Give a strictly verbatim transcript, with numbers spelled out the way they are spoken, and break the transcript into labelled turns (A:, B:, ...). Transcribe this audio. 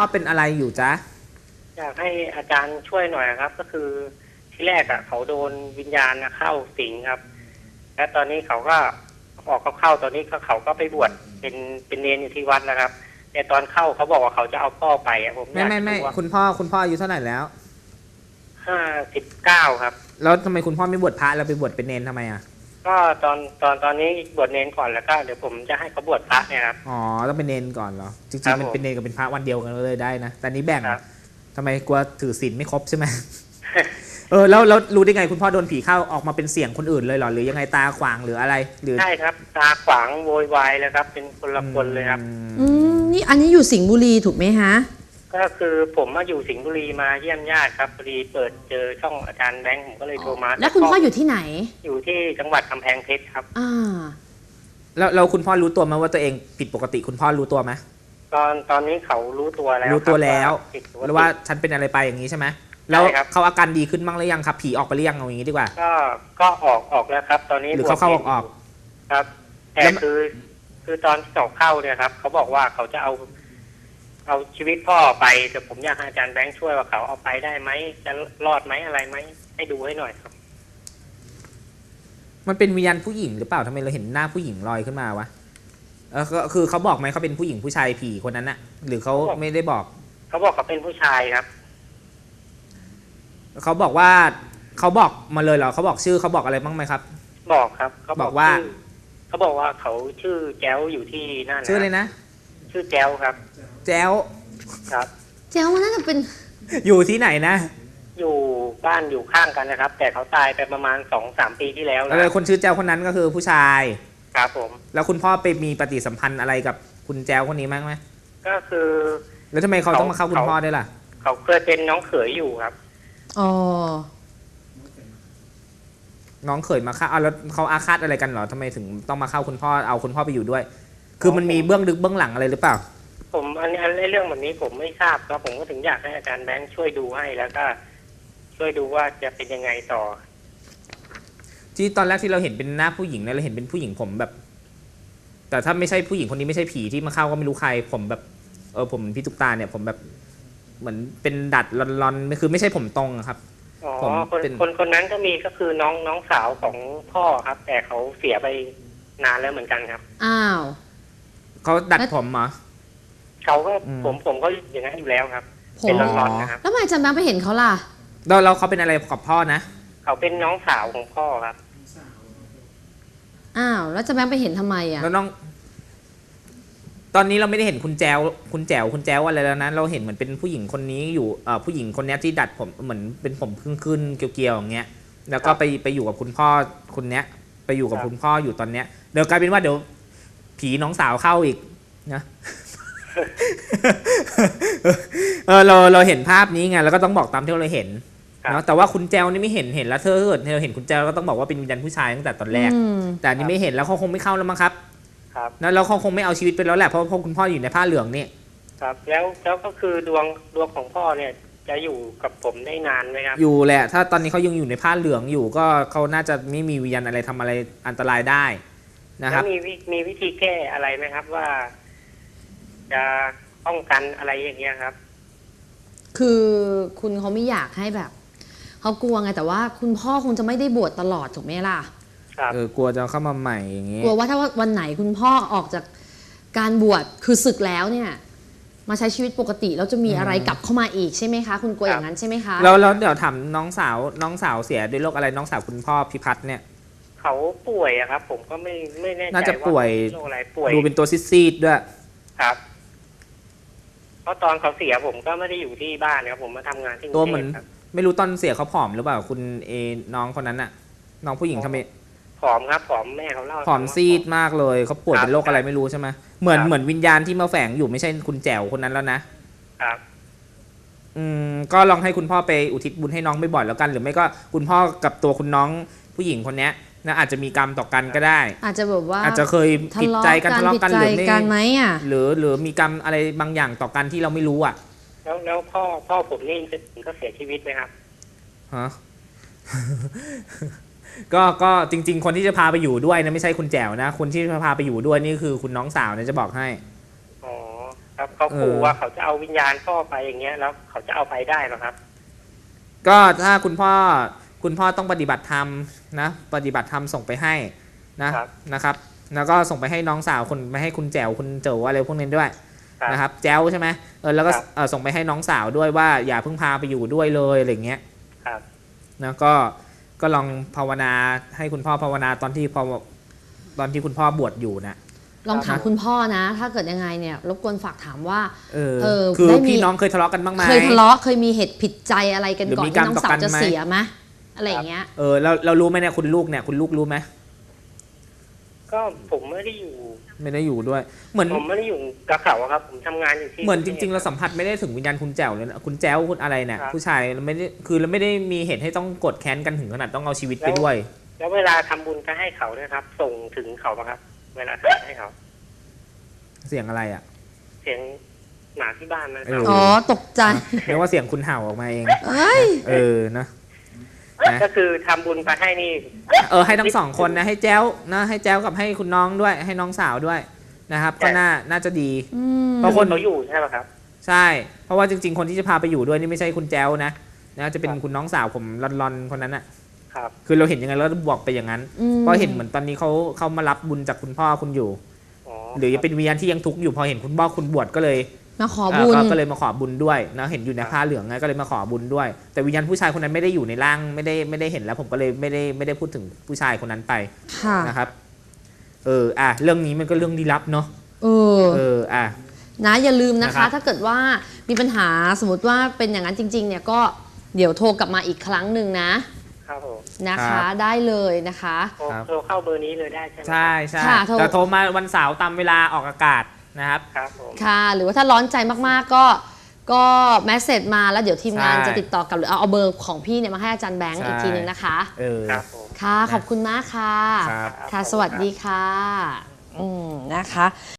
A: พ่อเป็นอะไรอยู่จ๊ะ
B: อยากให้อาจารย์ช่วยหน่อยครับ ก็คือที่แรกอ่ะเขาโดนวิญญาณเข้าสิงครับ และตอนนี้เขาก็ออกเขาเข้าตอนนี้เขาก็ไปบวชเป็นเป็นเนรอยู่ที่วัดนะครับแต่ตอนเข้าเขาบอกว่าเขาจะเอาพ่อไปอ่ะผม
A: ไม่ไม่ไม่คุณพ่อคุณพ่ออายุเท่าไหร่แล้ว
B: ห้าสิบเก้าครับ
A: แล้วทำไมคุณพ่อไม่บวชพระแล้วไปบวชเป็นเนรทำไมอ่ะ
B: ก็ตอนตอนตอนนี้บวชเนรก่อนแล้วก็เดี๋ยวผมจะให้เขาบวชพระเนี่ยครับ
A: อ๋อต้องเป็นเนรก่อนเหรอจริงๆมันเป็นเนรกับเป็นพระวันเดียวกันเลยได้นะแต่นี้แบ่งทำไมกลัวถือศีลไม่ครบใช่ไหมเออแล้วแล้วรู้ได้ไงคุณพ่อโดนผีเข้าออกมาเป็นเสียงคนอื่นเลยเหรอหรือยังไงตาขวางหรืออะไรหรือ
B: ใช่ครับตาขวางโวยวายเลยครับเป็นคนละคนเลยครับ
C: อืมนี่อันนี้อยู่สิงห์บุรีถูกไหมฮะ
B: ก็คือผมมาอยู่สิงห์บุรีมาเยี่ยมญาติครับพอดีเปิดเจอช่องอาจารย์แบงค์ผมก็เลยโทรมา
C: แล้วคุณพ่ออยู่ที่ไหน
B: อยู่ที่จังหวัดกำแพงเพชรครับ
C: อ่า
A: แล้วเราคุณพ่อรู้ตัวไหมว่าตัวเองผิดปกติคุณพ่อรู้ตัวไหม
B: ตอนตอนนี้เขารู้ตัวแล้ว
A: รู้ตัวแล้วแล้วว่าฉันเป็นอะไรไปอย่างนี้ใช่ไหมแล้วเขาอาการดีขึ้นบ้างหรือยังครับผีออกไปหรือยังเอาอย่างนี้ดีกว่า
B: ก็ก็ออกออกแล้วครับตอนนี้
A: หรือเขาเข้าออกออก
B: ครับแต่คือคือตอนที่เขาเข้าเนี่ยครับเขาบอกว่าเขาจะเอาเอาชีวิตพ่อไปแต่ผมอยากให้อาจารย์แบงค์ช่วยว่าเขาเอาไปได้ไหมจะรอดไหมอะไรไหมให้ดูให้หน่อยครับ
A: มันเป็นวิญญาณผู้หญิงหรือเปล่าทำไมเราเห็นหน้าผู้หญิงลอยขึ้นมาวะเออคือเขาบอกไหมเขาเป็นผู้หญิงผู้ชายผีคนนั้นน่ะหรือเขาไม่ได้บอก
B: เขาบอกเขาเป็นผู้ชายครับ
A: เขาบอกว่าเขาบอกมาเลยเหรอเขาบอกชื่อเขาบอกอะไรบ้างไหมครับ
B: บอกครับ
A: เขาบอกว่า
B: เขาบอกว่าเขาชื่อแจ้วอยู่ที่นั่น
A: ชื่อเลยนะ
B: ชื่อแจ้วครับ
A: แจ้ว
B: ครับ
C: แจ้วมันน่าจะเป็น
A: อยู่ที่ไหนนะ
B: อยู่บ้านอยู่ข้างกันนะครับแต่เขาตายไปประมาณสองสามปีที่แล้ว
A: แล้วคนชื่อแจ้วคนนั้นก็คือผู้ชาย
B: ครับผม
A: แล้วคุณพ่อไปมีปฏิสัมพันธ์อะไรกับคุณแจ้วคนนี้มั้งไหม
B: ก็คือ
A: แล้วทำไมเขาต้องมาเข้าคุณพ่อได้ล่ะ
B: เขาเคยเป็นน้องเขยอยู่ครับ
C: อ๋อ
A: น้องเขยมาเข้าเอาแล้วเขาอาฆาตอะไรกันเหรอทำไมถึงต้องมาเข้าคุณพ่อเอาคุณพ่อไปอยู่ด้วย คือมันมีเบื้องลึกเบื้องหลังอะไรหรือเปล่า
B: ผมอันนี้เรื่องแบบนี้ผมไม่ทราบครับผมก็ถึงอยากให้อาจารย์แบงค์ช่วยดูให้แล้วก็ช่วยดูว่าจะเป็นยังไงต่อ
A: ที่ตอนแรกที่เราเห็นเป็นหน้าผู้หญิงเนี่ยเราเห็นเป็นผู้หญิงผมแบบแต่ถ้าไม่ใช่ผู้หญิงคนนี้ไม่ใช่ผีที่มาเข้าก็ไม่รู้ใครผมแบบเออผมพี่ตุ๊กตาเนี่ยผมแบบเหมือนเป็นดัดลอนๆคือไม่ใช่ผมตรงครับ
B: อ๋อคนคนคนนั้นก็มีก็คือน้องน้องสาวของพ่อครับแต่เขาเสียไปนานแล้วเหมือนกันครับ
C: อ้าว
A: เขาดัดผมเหรอ
B: เขาก็ผมผมก็อย่างนั้นอยู่แล้วครับเป็นลอนๆนะครับ
C: แล้วทำไมอาจารย์แบงค์ไปเห็นเขาล่ะ
A: แล้วเราเขาเป็นอะไรกับพ่อนะ
B: เขาเป็นน้องสาวของพ่อครับ
C: อ้าวแล้วอาจารย์แบงค์ไปเห็นทำไมอ่ะ
A: แล้วน้องตอนนี้เราไม่ได้เห็นคุณแจวคุณแจวคุณแจวอะไรแล้วนะเราเห็นเหมือนเป็นผู้หญิงคนนี้อยู่เอ่อผู้หญิงคนนี้ที่ดัดผมเหมือนเป็นผมขึ้นๆเกลียวๆอย่างเงี้ยแล้วก็ไปไปอยู่กับคุณพ่อคนเนี้ยไปอยู่กับคุณพ่ออยู่ตอนเนี้ยเดี๋ยวกลายเป็นว่าเดี๋ยวผีน้องสาวเข้าอีกนะเออเราเราเห็นภาพนี้ไงแล้วก็ต้องบอกตามที่เราเห็นเนาะแต่ว่าคุณแจวนี่ไม่เห็นเห็นแล้วเธอเกิดเราเห็นคุณแจวก็ต้องบอกว่าเป็นวิญญาณผู้ชายตั้งแต่ตอนแรกแต่อันนี้ไม่เห็นแล้วเขาคงไม่เข้าแล้วมั้งครับ
B: ครับ
A: แล้วเราคงไม่เอาชีวิตไปแล้วแหละเพราะเพราะคุณพ่ออยู่ในผ้าเหลืองนี่
B: ครับแล้วแล้วก็คือดวงดวงของพ่อเนี่ยจะอยู่กับผมได้นานไหมครับ
A: อยู่แหละถ้าตอนนี้เขายังอยู่ในผ้าเหลืองอยู่ก็เขาน่าจะไม่มีวิญญาณอะไรทำอะไรอันตรายได้นะครับ
B: แล้วมีมีวิธีแก้อะไรไหมครับว่าจะป้องกันอะไรอย่างเงี้ยครับ
C: คือคุณเขาไม่อยากให้แบบเขากลัวไงแต่ว่าคุณพ่อคงจะไม่ได้บวชตลอดถูกไหมล่ะ
A: เออกลัวจะเข้ามาใหม่อย่างงี้
C: กลัวว่าถ้าวันไหนคุณพ่อออกจากการบวชคือศึกแล้วเนี่ยมาใช้ชีวิตปกติแล้วจะมีอะไรกลับเข้ามาอีกใช่ไหมคะคุณกลัวอย่างนั้นใช่ไหมคะ
A: แล้วแล้วเดี๋ยวถามน้องสาวน้องสาวเสียด้วยโรคอะไรน้องสาวคุณพ่อพิพัฒน์เนี่ย
B: เขาป่วยอะครับผมก็ไม่ไม่แน่ใจว่า
A: น่าจะป่วย
B: โรคอะไรป่วย
A: ดูเป็นตัวซีดๆด้วย
B: ครับเพราะตอนเขาเสียผมก็ไม่ได้อยู่ที่บ้านครับผมมาทำงานที่กรุงเทพ
A: ตัวเหมือนไม่รู้ตอนเสียเขาผอมหรือเปล่าคุณเอน้องคนนั้นน่ะน้องผู้หญิงทำไม
B: ผอมครับผอมแม่เขาเล่า
A: ผอมซีดมากเลยเขาป่วยเป็นโรคอะไรไม่รู้ใช่ไหมเหมือนเหมือนวิญญาณที่มาแฝงอยู่ไม่ใช่คุณแจ๋วคนนั้นแล้วนะครับอืมก็ลองให้คุณพ่อไปอุทิศบุญให้น้องบ่อยๆแล้วกันหรือไม่ก็คุณพ่อกับตัวคุณน้องผู้หญิงคนนี้นะอาจจะมีกรรมต่อกันก็ได้
C: อาจจะแบบว่า
A: อาจจะเคยผิดใจกันทะเลาะกันหรือไม่
C: ไหมอ่ะ
A: หรือหรือมีกรรมอะไรบางอย่างต่อกันที่เราไม่รู้อ่ะ
B: แล้วแล้วพ่อพ่อผมนี่ก็เสียชีวิตไหมครับ
A: ฮะ ก็ก็จริงๆคนที่จะพาไปอยู่ด้วยนะไม่ใช่คุณแจ๋วนะคนที่จะพาไปอยู่ด้วยนี่คือคุณน้องสาวนะจะบอกให้
B: อ๋อคครับเขาขู่
A: เออ
B: ว่าเขาจะเอาวิญญาณพ่อไปอย่างเงี้ยแล้วเขาจะเอาไปได้เหรอครับ
A: ก็ถ้าคุณพ่อคุณพ่อต้องปฏิบัติธรรมนะปฏิบัติธรรมส่งไปให้นะครับ นะครับ แล้วก็ส่งไปให้น้องสาวคุณไปให้คุณแจ๋วคุณเจ๋วอะไรพวกนี้ด้วย
B: ครับ
A: นะครับแจ๋วใช่ไหมเออแล้วก็
B: ครับ
A: เออส่งไปให้น้องสาวด้วยว่าอย่าเพิ่งพาไปอยู่ด้วยเลยอะไรเงี้ย
B: ครับ
A: นะก็ก็ลองภาวนาให้คุณพ่อภาวนาตอนที่พอตอนที่คุณพ่อบวชอยู่นะ
C: ลองถามคุณพ่อนะ ถ้าเกิดยังไงเนี่ยรบกวนฝากถามว่า
A: เออ
C: เออ
A: คือ
C: ได้มี
A: พี่น้องเคยทะเลาะกันบ้างไหม
C: เคยทะเลาะเคยมีเหตุผิดใจอะไรกัน
A: หรือ
C: ก่อน
A: มี
C: ที่
A: การ
C: น้อง
A: ต่อ
C: สาว
A: กัน
C: จะ
A: ไหม
C: เสียไหมอะไรอย่างเงี้ย
A: เออเราเรารู้ไหมเนี่ยคุณลูกเนี่ยคุณลูกรู้ไหม
B: ก็ผมไม่ได้อยู่
A: ไม่ได้อยู่ด้วย เหมือน
B: ผมไม่ได้อยู่กับเขาอะครับ ผมทำงานอยู่ที่
A: เหมือนจริง ๆ เราสัมผัสไม่ได้ถึงวิญญาณคุณแจ๋วเลยนะคุณแจ๋วคุณอะไรเนี่ย
B: ครับ
A: ผู้ชายเราไม่ได้คือเราไม่ได้มีเหตุให้ต้องกดแค้นกันถึงขนาดต้องเอาชีวิตไปด้วย
B: แล้วเวลาทำบุญก็ให้เขาด้วยครับ ส่งถึงเขาปะครับ เวลาทำให้เขา
A: เสียงอะไรอ่ะ
B: เสียงหมาที่บ้านนะค
A: เอ
B: รับ
A: อ
C: อ๋อตกใจ
A: เรียกว่าเสียงคุณเห่าออกมาเอง
C: เอ้ย
A: เออนะนะ
B: ก็คือทำบุญไปให้นี่
A: เออให้ทั้งสองคนนะให้แจ้วนะให้แจ้วกับให้คุณน้องด้วยให้น้องสาวด้วยนะครับก็น่าน่าจะดี
C: อืม
A: เพราะคน
B: เขาอยู่ใช่ไหมครับ
A: ใช่ เพราะว่าจริง ๆ คนที่จะพาไปอยู่ด้วยนี่ไม่ใช่คุณแจ้วนะนะจะเป็นคุณน้องสาวผมรอนๆคนนั้นอ่ะ
B: ครับ
A: คือเราเห็นยังไงเราบอกไปอย่างนั้น
C: อืม
A: เพราะเห็นเหมือนตอนนี้เขาเขามารับบุญจากคุณพ่อคุณอยู่
B: อ๋อ
A: หรือเป็นวิญญาณที่ยังทุกข์อยู่พอเห็นคุณพ่อคุณบวชก็เลย
C: มาขอ
A: เอ่
C: บุ
A: อ
C: ญ
A: ก็ก็เลยมาขอบุญด้วยนะเห็นอยู่ในผ้าเหลืองไงก็เลยมาขอบุญด้วย แต่วิญญาณผู้ชายคนนั้นไม่ได้อยู่ในร่างไม่ได้ไม่ได้เห็นแล้วผมก็เลยไม่ได้ไม่ได้พูดถึงผู้ชายคนนั้นไป
C: ค่ะ
A: นะครับเอออ่ะเรื่องนี้มันก็เรื่องลี้ลับเนาะ
C: เออ
A: เอออ่ะ
C: นะอย่าลืมนะ
A: นะครั
C: คะ
A: บ
C: ถ้าเกิดว่ามีปัญหาสมมติว่าเป็นอย่างนั้นจริง ๆ เนี่ยก็เดี๋ยวโทรกลับมาอีกครั้งหนึ่งนะครับ
B: ผม
C: นะคะได้เลยนะคะ
B: โทรโทรเข้าเบอร์นี้เลยได้ใช่ไหม
A: ใช่ใช่
C: ค่ะโทร
A: แต่โทรมาวันเสาร์ตามเวลาออกอากาศนะครับ
B: ครับผม
C: ค่ะ หรือว่าถ้าร้อนใจมากๆก็ก็แมสเซจมาแล้วเดี๋ยวทีมงาน
A: ใช่
C: จะติดต่อกลับหรือเอาเอาเบอร์ของพี่เนี่ยมาให้อาจารย์แบงค์
A: ใช่
C: อีกทีหนึงนะคะ
A: เออ
B: ครับผม
C: ค่ะ ขอบคุณมากค่ะ
A: ครับ
C: ค่ะ สวัสดีค่ะ อืมนะคะ